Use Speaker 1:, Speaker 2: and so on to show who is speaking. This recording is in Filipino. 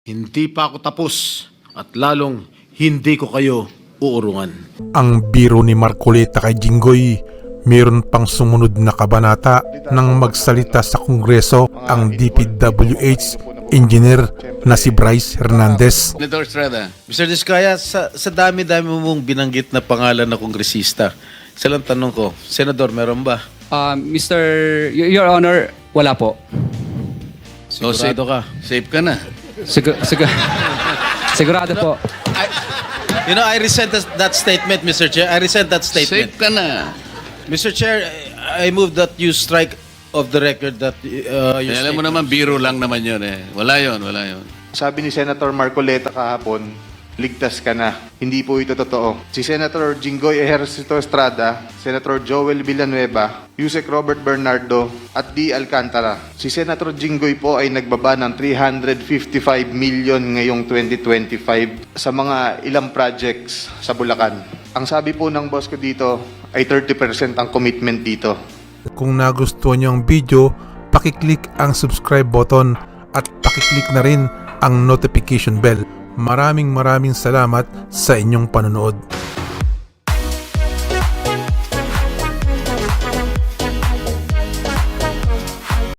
Speaker 1: Hindi pa ako tapos at lalong hindi ko kayo uurungan.
Speaker 2: Ang biro ni Marcoleta kay Jinggoy, mayroon pang sumunod na kabanata nang magsalita sa Kongreso ang DPWH engineer na si Bryce Hernandez.
Speaker 3: Senator Estrada.
Speaker 1: Mr. Diskaya, sa dami-dami mong binanggit na pangalan na kongresista, silang tanong ko, Senador, meron ba?
Speaker 4: Your Honor, wala po.
Speaker 1: Sigurado ka?
Speaker 3: Safe ka na.
Speaker 4: Sigurado po.
Speaker 1: I resent that statement, Mr. Chair. I resent that statement.
Speaker 3: Safe ka na.
Speaker 1: Mr. Chair, I move that you strike of the record that your
Speaker 3: Alam mo naman, biro lang naman yun eh. Wala yun.
Speaker 5: Sabi ni Senator Marcoleta kahapon, ligtas ka na. Hindi po ito totoo. Si Senator Jinggoy Ejercito Estrada, Senator Joel Villanueva, Yusek Robert Bernardo, at D. Alcantara. Si Senator Jinggoy po ay nagbaba ng 355 million ngayong 2025 sa mga ilang projects sa Bulacan. Ang sabi po ng boss ko dito ay 30% ang commitment dito.
Speaker 2: Kung nagustuhan niyo ang video, pakiclick ang subscribe button at pakiclick na rin ang notification bell. Maraming salamat sa inyong panonood.